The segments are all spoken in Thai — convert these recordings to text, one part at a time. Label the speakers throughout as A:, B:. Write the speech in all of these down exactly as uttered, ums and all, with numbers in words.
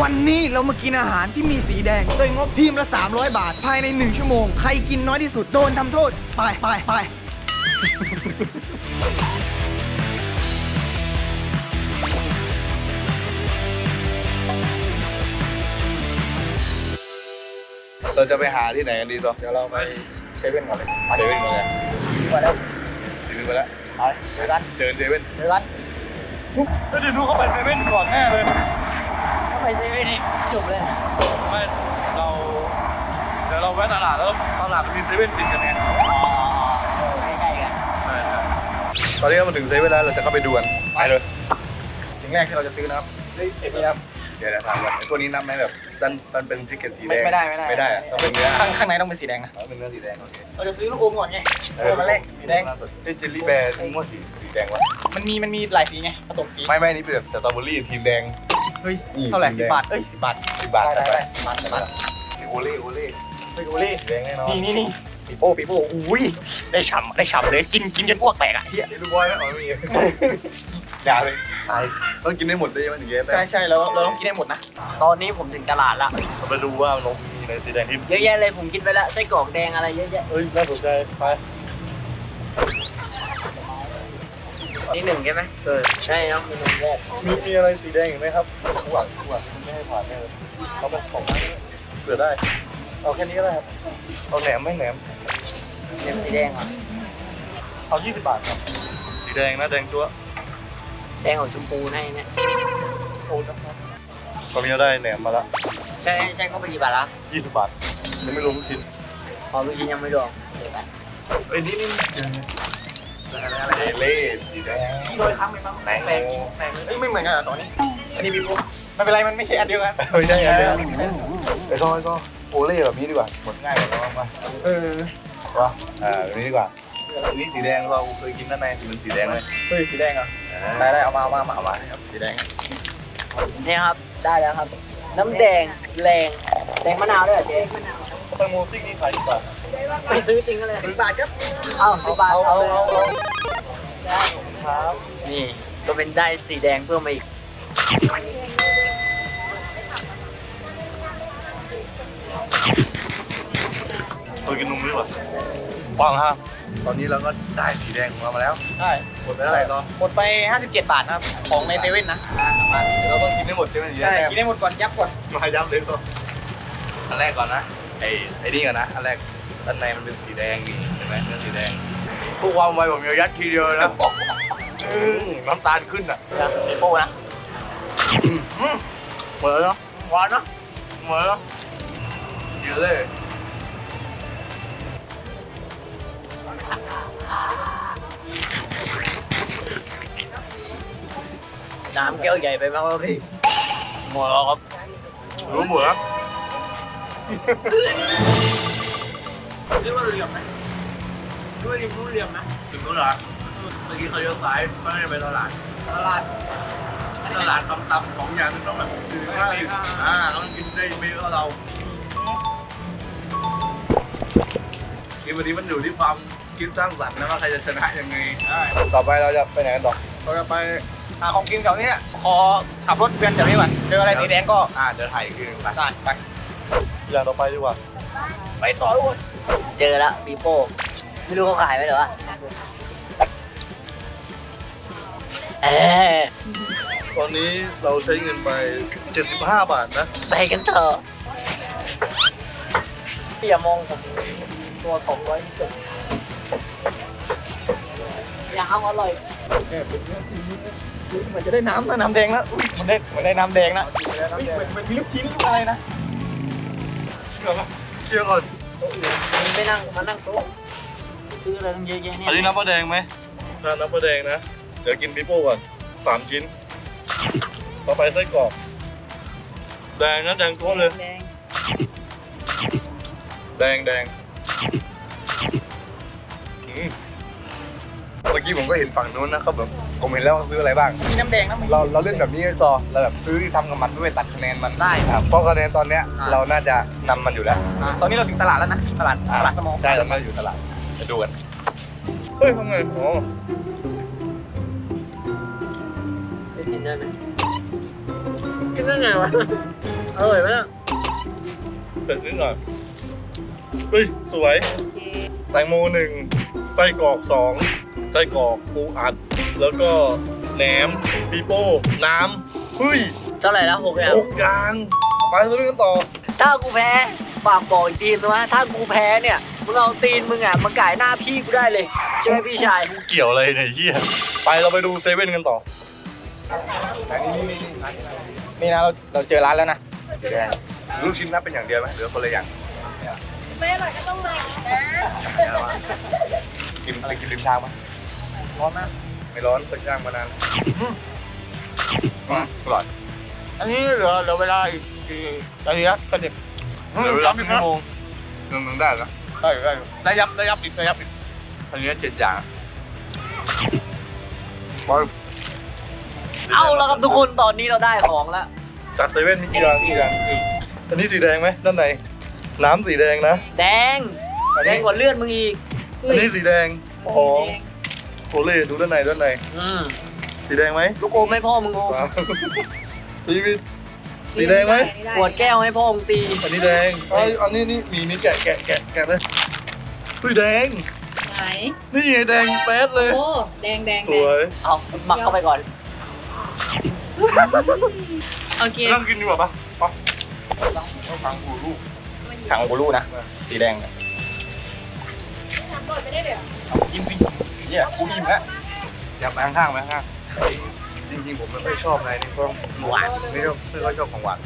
A: วันนี้เรามากินอาหารที่มีสีแดงโดยงบทีมละสามร้อยบาทภายในหนึ่งชั่วโมงใครกินน้อยที่สุดโดนทำโทษไปไปไป
B: เราจะไปหาที่ไหนกันดีต่อ
A: เดี๋ยวเราไปเซเว่นก่อนเลย
B: เซเว่นก่อนเลย
A: ไปแล้ว
B: เซเว่นไปแล้ว
A: ไปเจอกัน
B: เดินเซเว่น
A: เจอกัน
B: ก็เดินดูเข้าไปเซเว่นก่อนแน่เลย
A: เข้าไปเซเว่นนี่จบเลย
B: ไม่เราเดี๋ยวเราแวะตลาดแล้วตลาดมันมีเซเว่นติดกันไง
A: ใกล้ๆกัน
B: ใช่ตอนนี้เรามาถึงเซเว่นแล้วเราจะเข้าไปดูกันไปเลย
A: สิ่งแรกที่เราจะซื้อนะครับนี่เอ็นี่ครับ
B: เดี๋ยวจะถามก่อนไอ้ตัวนี้นับไหมแบบดันมันเป็นพริกเกตสีแดง
A: ไม่ได้ไม่ได้
B: ไม่ได้อะต้องเป็นเนื้อ
A: ข้างข้างในต้องเป็นสีแดงนะ
B: ต้องเป็นเนื้อสีแดงโอเค
A: เราจะซื้อลูกอมก่อนไงเออมาแรกสีแดง
B: เอ้ยเจลลี่แบร์ทั้งหมดสีสีแดงวะ
A: มันมีมันมีหลายสีไงผสมสี
B: ไม่ไม่นี่เป็นแบบสตรอเบอรี่ทีมแดง
A: เฮ้ย
B: นี่
A: เท่าไหร่
B: สี
A: สิ
B: แดง
A: บบาทเอ้ยสิบบาท
B: สิบบาท
A: ได้
B: ไป
A: ได้สิบบาทสิบบาท
B: โอเล่โอเล่
A: เฮ้ยโอเล่
B: สีแดงแน่นอน
A: นี่นี่นี่ปีโป้ปีโป้อุ้ยได้ฉ่ำได้ฉ่ำเลยกินกินจนอ้วกแตกอ่ะเฮีย
B: นี่ลูกบอยนะอ๋อไม่มีอย่าเลยตายต้องกินได้หมดเลยมันถึงจะได้
A: ใช่ใช่เราเราต้องกินให้หมดนะตอนนี้ผมถึงตลาดละ
B: เราไปดูว่ามันมีในสีแดงที่
A: เยอะแยะเลยผมคิดไปแล้วไส้กรอกแดงอะไรเยอะแยะ
B: เอ้ยน่าสนใจไป
A: นี่หนึ่งใช่ไหม
B: ใช่
A: ใช่ต้องมีหนึ่งแยก
B: มีมีอะไรสีแดงอีกไหมครับหวังหวังไม่ให้ผ่านแน่เลยเขาเป็นของเผื่อได้เอาแค่นี้ก็ได้ครับเอาแหนมไม่แหนม
A: เนมสีแดงเหรอ
B: เอายี่สิบบาทครับสีแดงนะแดงตัว
A: แดงของชมพูให้เนี่ย
B: โอ้นะครับตอนนี้เราได้แหนมมาละ
A: ใช่ใช่ก็ไปกี่บาทละ
B: ยี่สิบบาทยังไม่รวมลูกชิ้น
A: พอลูกชิ้นยังไม่รวมเดี๋ยวไป
B: เอ้ยนี่นี่เจออะไรเล่สีแดง
A: โดยครั้งไปบ้างแปลกแปลกแปลกเอ้ยไม่เหมือนกันเหรอตอนนี้อันนี้พี่ปุ๊บไม่เป็นไรมันไม่ใช่อันเดียวกัน
B: ไม่ใช่อะไรไอ้ก็ไอ้ก็โอเล่แบบนี้ดีกว่าหมดง่ายกว่าเราบ้าง
A: เออ
B: วะอ่าแบบนี้ดีกว่าอันนี้สีแดงเราเคยกินด้านในเป็นสีแดงเลย
A: เฮ้ยสีแดงเหรอได้ได้เอามาเอามาเอามาครับสีแดงนี่ครับได้แล้วครับ น้ำแดงแรงแดงมะนาวด้วยเหรอเจ๊
B: แตงโมซิ่งนี่ขายกี่บาท
A: ไปซื้อจริงกันเลยสิบบาทครับเอาสิบบาท
B: เอาเอาเอาเอา
A: ครับนี่ก็เป็นได้สีแดงเพิ่มมาอีก
B: เคยกินนมด้วยป่ะปังฮะตอนนี้เราก็ได้สีแดงของเรามาแล้ว
A: ใช่
B: หมดไปเท่าไหร่ต่อ
A: หมดไปห้าสิบเจ็ดบาทครับของในเซเว่นนะ
B: มาเดี๋ยวเราต้องกินให้หมดใช่ไหม
A: ใช่กินได้หมดก่อนยับก่อน
B: มาย้ำเลยสิอันแรกก่อนนะไอ้ไอ้นี่ก่อนนะอันแรกด้านในมันเป็นสีแดงนี่เห็นไหมเนื้อสีแดงพวกความไวผมจะยัดทีเดียวนะอืมน้ำตาลขึ้นอ่ะ
A: นะมีโป้นะ
B: เหมือนเนาะ
A: หวานเนาะ
B: เหมือนเนาะเยอะเลย
A: น้ำแก้วใหญ่ไปมากเลยพี่หมดแล้วครับ
B: รู้หมดแล้ว
A: เรียกว่าเหลี่ยมไหมเรียกว่าริมรู้เหลี่ยมนะ
B: ถึงนู้นเหรอเมื่อกี้เขาเลี้ยวซ้ายไม่ได้ไปตลาด
A: ตลาด
B: ตลาดตำๆสองอย่างมันต้องแบบดื่มได้อ่าต้องกินได้ไม่เท่าเรากินวันนี้มันอยู่ที่ความคิดสร้างสรรค์นะว่าใครจะชนะยังไงต่อไปเราจะไปไหนกันต่อ
A: เราจะไปหาของกินแถวนี้ขอขับรถเวียนแถวนี้ก่อนเจออะไรสีแดงก็
B: อ่าเดี๋ยวถ่ายอีกทีหนึงไป
A: ได้ไป
B: อย่างต่อไปดีกว่า
A: ไปต่อทุกคนเจอแล้วปีโป้ไม่รู้เขาขายไหมหรอวะเออ
B: ตอนนี้เราใช้เงินไปเจ็ดสิบห้าบาทนะ
A: ไปกันเถอะพี่อย่ามองผมตัวผมไว้ที่สุดอยากเอาอร่อยเหมือนจะได้น้ำนะน้ำแดงนะอุ้ยมันได้เหมือนได้น้ำแดงนะเฮ้ยเหมือนเหมือนมีลูกชิ้นอะไรนะ
B: เชื่อไหมเชื่อก่อน
A: มันไม่นั่งมานั่งโต๊ะซื้ออะไรตั้งเยอะแยะเนี่ย
B: อันนี้น้ำปลาแดงไหมถ้าน้ำปลาแดงนะเดี๋ยวกินปิโป้ก่อนสามชิ้นต่อไปไส้กรอกแดงนะแดงทั่วเลย
A: แดง
B: แดงแดงอืมเมื่อกี้ผมก็เห็นฝั่งนู้นนะเขาแบบผมเห็นแล้วว่าซื้ออะไรบ้าง
A: มีน้ำแดงนะมึง
B: เราเราเล่นแบบนี้ไอ้ซอเราแบบซื้อที่ทำกับมันด้วยตัดคะแนนมันได้ครับเพราะคะแนนตอนเนี้ยเราน่าจะนำมันอยู่แล้ว
A: อ่าตอนนี้เราถึงตลาดแล้วนะตลาดตลาดสมอง
B: ใช่ตอนนี้เราอยู่ตลาดไปดูกันเฮ้ยทำไงโอ้
A: กินได้ไหมกินได้ไงวะอร่อยไหมเนี่ย
C: เผ็ดนิดหน่อยเฮ้ยสวยแตงโมหนึ่งไส้กรอกสองไส้กรอกปูอัด แล้วก็แหนมปีโป้น้ำเฮ้ย
A: เท่าไหร่แล้วหกอย่าง
C: หกอย่างไปเรื่องกันต่อ
A: ถ้ากูแพ้ฝากบอกอีกทีนะว่าถ้ากูแพ้เนี่ยมึงเอาตีนมึงอ่ะมาก่ายหน้าพี่กูได้เลยใช่ไหมพี่ชาย
C: กูเกี่ยวอะไรเนี่ยเฮียไปเราไปดูเซเว่นกันต่อ
B: นี่นะเราเราเจอร้านแล้วนะสีแดงลูกชิ้นนับเป็นอย่างเดียวไหมหรือคนละอย่าง
D: ไม่อร่อยก็ต้องมานะ
B: กินอะไรกินริมทางปะร้อนไหมไม่ร้อนเพิ่งย่างมานานอืมอร่อย
C: อันนี้เหลือเหลือเวลาอีกกี่นาทีนะก็เด็ก
B: เหลือเวลาหนึ่งชั่วโมงหนึ่งหนึ่งได้แล้ว
C: ได้ได้ได้ยับได้ยับอีกได้ยับอีก
B: อันนี้เจ็ดอย่างไป
A: เอาแล้วครับทุกคนตอนนี้เราได้ของแล้ว
C: จากเซเว่นมีกี่อย่างกี่อย่างอันนี้สีแดงไหมด้านในน้ำสีแดงนะ
A: แดง
C: อัน
A: แด
C: นี้
A: งกว่าเลือดมึงอีก
C: อันนี้สีแดงสองโอเล่ดูด้านในด้านใน
A: อืม
C: สีแดงไหม
A: ลูกอมให้พ่อมึงอม
C: สามสีวิตสีแดงไหม
A: ขวดแก้วให้พ่อมึงตี
C: อันนี้แดงไอยอันนี้นี่มีมีแกะแกะแกะแกะเลยอุ้ยแดง
D: ไหน
C: นี่ไงแดงแป๊ดเลย
D: โอ้แดงแดง
C: สวย
A: เอาหมักเข้าไปก่อน
D: โอเค
C: นั่งกินดีกว่าปะปะ
B: ทางกูรูทางกูรูนะสีแดงเนี่ย
D: ทำก่อนไม่ได้เลย
B: กินสิเนี่ยกูอิ่มแล้วอยากไปข้างๆไหมข้างๆจริงๆผมไม่ค่อยชอบอะไรนี่เพราะหวานไม่ชอบไม่ค่อยชอบของหวาน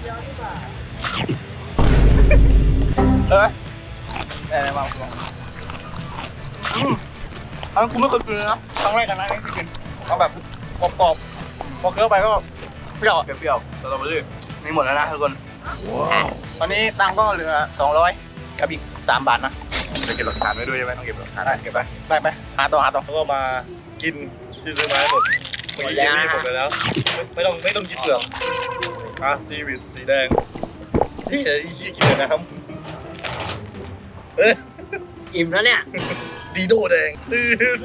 B: เอออะไรบ้างอืมอันนั้นกูไม่เคยกินเลยนะครั้งแรกกันนะที่กินเอาแบบกรอบๆพอเคี้ยวไปก็เปรี้ยวเปรี้ยวสตรอเบอรี่นี่หมดแล้วนะทุกคนตอนนี้ตังค์ก็เหลือสองร้อยกับอีกสามบาทนะจะเก็บหลักฐานไว้ด้วยใช่ไหมต้องเก็บหลักฐานได้เก็บไปไปไปหาต่อหาต่อ
C: แล้วก็มากินที่ซื้อมาให้หมดเมื่อกี้กินนี่หมดไปแล้วไม่ไม่ต้องไม่ต้องกินเปลือกอ่ะซีวิตสีแดงที่ไอ้ยี่กินแต่น้ำเอ้ย
A: อิ่มแล้วเนี่ย
C: ดีโดแดงตื่น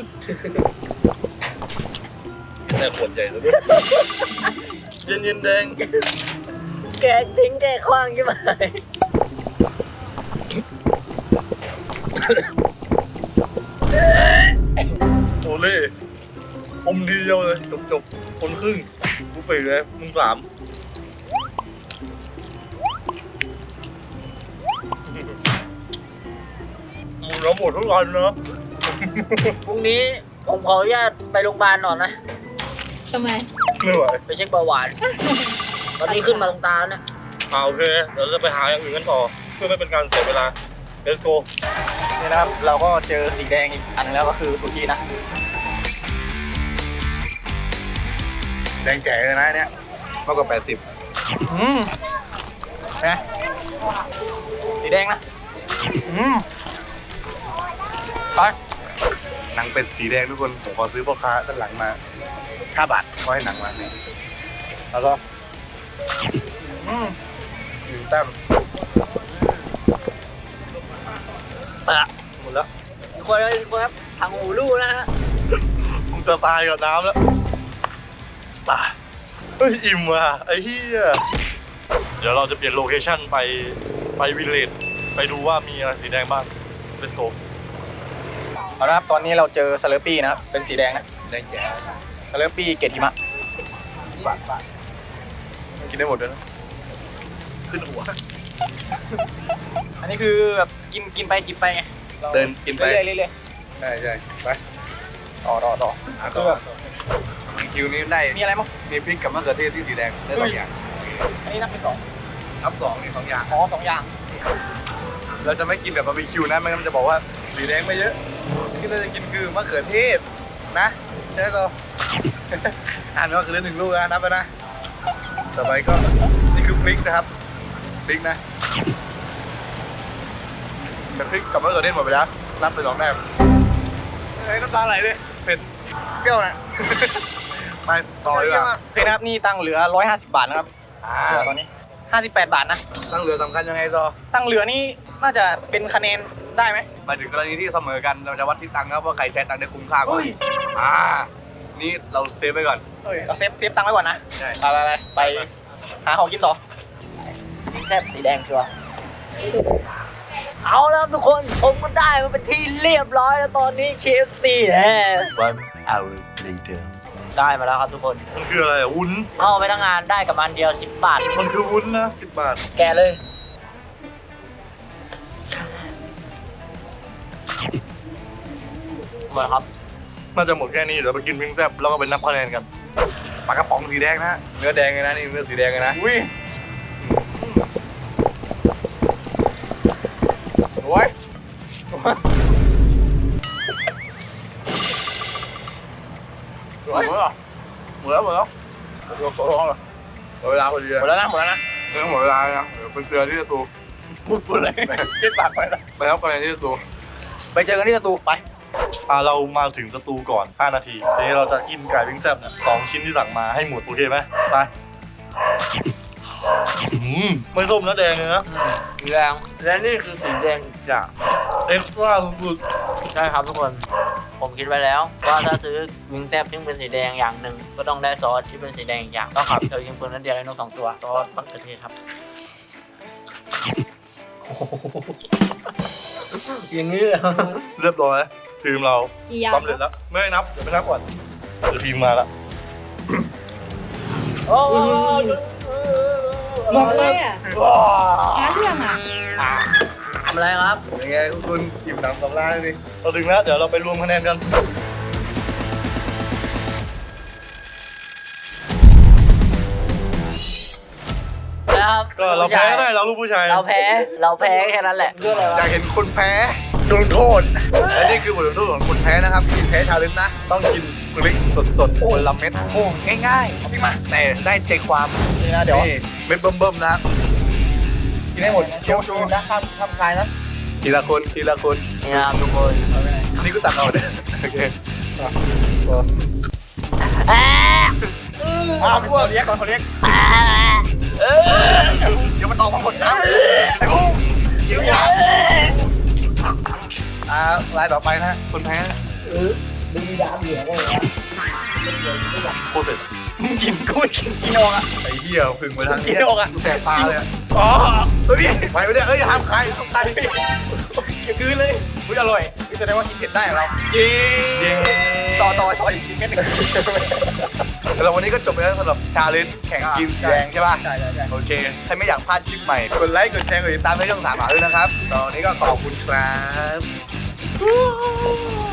C: แต่ขวดใหญ่แล้วด้วยเย็นเย็นๆแดง
A: แกะทิ้งแกะคว้างใช่ไหม
C: โอเล่อมทีเดียวเลยจบจบคนครึ่งกูไปเลยมึงสามหมูเราหมดทุกวันเนอะ
A: พรุ่งนี้ผมขออนุญาตไปโรงพยาบาลหน่อยนะ
D: ทำไม
C: ไม่ไหว
A: ไปเช็คเบาหวาน ตอนนี้ขึ้นมาตรงตาแล้วเนี่ย
C: อ่าโอเคเดี๋ยวเราจะไปหาอย่างอื่นกันต่อเพื่อไม่เป็นการเสียเวลา let's go
B: นี่นะครับเราก็เจอสีแดงอีกอันนึงแล้วก็คือสุกี้นะแดงแจ๋เลยนะเนี่ยมากกว่าแปดสิบอืมนะสีแดงนะอืมไปหนังเป็ดสีแดงทุกคนผมขอซื้อพ่อค้าด้านหลังมาห้าบาทก็ให้หนังมาเนี่ยแล้วก็อืมหนึ่งแต้มตะหมดแล้ว
A: ทุกคนครับทุกคนครับทางหูลู่นะฮะ
C: ผมจะตายกับน้ำแล้วตายเฮ้ยอิ่มว่ะไอ้เหี้ยเดี๋ยวเราจะเปลี่ยนโลเคชั่นไปไปวิลเลจไปดูว่ามีอะไรสีแดงบ้าง let's go
B: เอาละครับตอนนี้เราเจอสเลอร์ปี้นะครับเป็นสีแดงนะแดงแจ๋สเลอร์ปี้เกล็ดหิมะบาทบาทกินได้หมดเลยนะขึ้นหัว อันนี้คือแบบกินกินไปกินไปไง เดินกินไปเรื่อยๆเรื่อย
C: ใช่ใช่ไป
B: ๆต่อต่อต่อ
C: คือแบบ
B: คิวนี้ได้มีอะไรมั้งมีพริกกับมะเขือเทศที่สีแดงได้สองอย่าง
A: อันนี้นับเป็นสอง
B: นับสองนี่สองอย่าง
A: อ๋อสองอย่าง
B: เราจะไม่กินแบบบาร์บีคิวนะไม่งั้นมันจะบอกว่าสีแดงไม่เยอะที่เราจะกินคือมะเขือเทศนะใช่ไหมเราอ่านว่าคือหนึ่งลูกนะนับไปนะต่อไปก็นี่คือพริกนะครับพริกนะแต่พริกกับมะเขือเทศหมดไปแล้วนับไปสองแต้มเฮ้ยน้ำตาไหลเลยเผ็ดเปรี้ยวนะ ไปต่อดีกว่า
E: โอเคนะครับนี่ตั้งเหลือร้อยห้าสิบบาทนะครับ
B: อ่า
E: ตอนนี้ห้าสิบแปดบาทนะ
B: ตั้งเรือสำคัญยังไงซอ
E: ตั้งเหลือนี่น่าจะเป็นคะแนนได้ไหม
B: หมายถึงกรณีที่เสมอกันเราจะวัดที่ตังค์ครับว่าใครใช้ตังค์ได้คุ้มค่ากว่า
E: เฮ้ย
B: อ่านี่เราเซฟไว้ก่อน
E: เอ้ยเราเซฟเซฟตังค์ไว้ก่อนนะ
B: ใช่
E: ไปไปไปไปหาของกินต่อ
A: ซ่บสีแดงชัวร์เอาแล้วทุกคนผมก็ได้มาเป็นที่เรียบร้อยแล้วตอนนี้ เค เอฟ ซี แฮะ
F: One hour later.
A: ได้มาแล้วครับทุกคน
C: มันคืออะไรอ่ะวุ้น
A: เข้าไปทั้งงานได้กับมันเดียวสิบบาท
C: มันคือวุ้นนะสิบบาท
A: แกเลยหมดครับ
C: น่าจะหมดแค่นี้เดี๋ยวไปกินพิงแซบแล้วก็ไปนับคะแนนกัน
B: ปลากระป๋องสีแดงนะเนื้อแดงเลยนะนี่เนื้อสีแดงเลยนะ
C: อุ้ย
B: โอ้ยหมดแล้วหมดแล้วหมดแล้วหมดแล้วหมดแล้วหมดเวลาพอดี
E: หมดแล้วนะหมดแล้วนะ
B: เรื่องหมดเวลานะเดี๋ยวเป็นเตือนที่จะตู
E: พูดพูดเลยคิดปากไปแล้ว
B: ไปครับไปที่จะตู
E: ไปเจอกันที่สตูไป
C: อ่าเรามาถึงสตูก่อนห้านาทีทีนี้เราจะกินไก่พิงแซบเนี่ยสองชิ้นที่สั่งมาให้หมดโอเคไหมไปอืมไม่ส้มนะแดงเลยนะ
A: แดงและนี่คือสีแดงจาก
C: เอ็กซ์ตร้าสุด
A: ใช่ครับทุกคน ผมคิดไว้แล้ว ว่าถ้าซื้อวิงแซบที่เป็นสีแดงอย่างหนึ่งก็ต้องได้ซอสที่เป็นสีแดงอีกอย่างต้องขับเจอยิงปืนนั้นเดียวได้นกสองตัวซอสมะเขือเทศครับอย่างนี้เลย
C: ๆเรียบร้อยทีมเรา
D: กี่ยาว
C: สำเร็จแล้วไม่ให้นับเดี๋ยวไปนับก่อนเดี๋ยวทีมมาแล้ว
A: โอ้ย
D: หมดเลยอ่ะหาเรื่องอ่ะ
A: ทำอะไรครับ
B: ยังไงคุณคุณอิ่มหนำสำราญเลย
C: เราถึงแล้วเดี๋ยวเราไปรวมคะแนนกัน
A: นะครับ
C: ก็เราแพ้ได้เราลูกผู้ชาย
A: เราแพ้เราแพ้แค่นั้นแหละเรื่องอะไร
B: อ
A: วะ
B: ยากเห็นคนแพ้โดนโทษและนี่คือบทลงโทษของคนแพ้นะครับที่แพ้ชาเลนจ์นะ ต้องกินพริกสดๆคนละเม็ด
E: โอ้ง่ายๆเอาพี่มา
B: แต่ได้ใจความ
E: นี่นะเดี๋ยว
B: นี่เม็ดเบิ่มๆนะ
E: กินให้หมดเคี้ยวชูนะห้ามห้ามคายนะ
B: ทีละคนทีละคน
A: นี่นะครับทุกคน
B: อันนี้ก็ตักเอาเนี่ยโอเค
A: แอะ
E: อ้าวเขาเรียกก่อนเขาเรียก
A: แอะเออ
E: เดี๋ยวมันออกมาหมดนะ
B: ไอ้พุ่งยิงยาอ่ารายต่อไปนะคนแพ้
C: โคตรเผ็ด
E: มึงกินกูไม่กินกินออกอ่ะ
B: ไอ้เหี้ยพึ่งไปทาง
E: กินออกอะ
B: แสบตาเลยอะ
E: อ๋อเฮ้ย
B: ไปไม่ได้เอ้ยห้ามใครห้ามใคร
E: อย่าคืนเลยอุ้ยอร่อยนี่แสดงว่ากินเผ็ดได้เหรอเราจริง
B: จริง
E: ต่อต่อต่ออีกทีแค่หนึ่ง
B: แล้ววันนี้ก็จบไปแล้วสำหรับชาเลนจ์แข่งกินแดงใช่ป่ะ
E: ใช่ใช่ใช่
B: โอเคใครไม่อยากพลาดคลิปใหม่กดไลค์กดแชร์กดติดตามให้ช่องสามหาด้วยนะครับตอนนี้ก็ขอบคุณครับ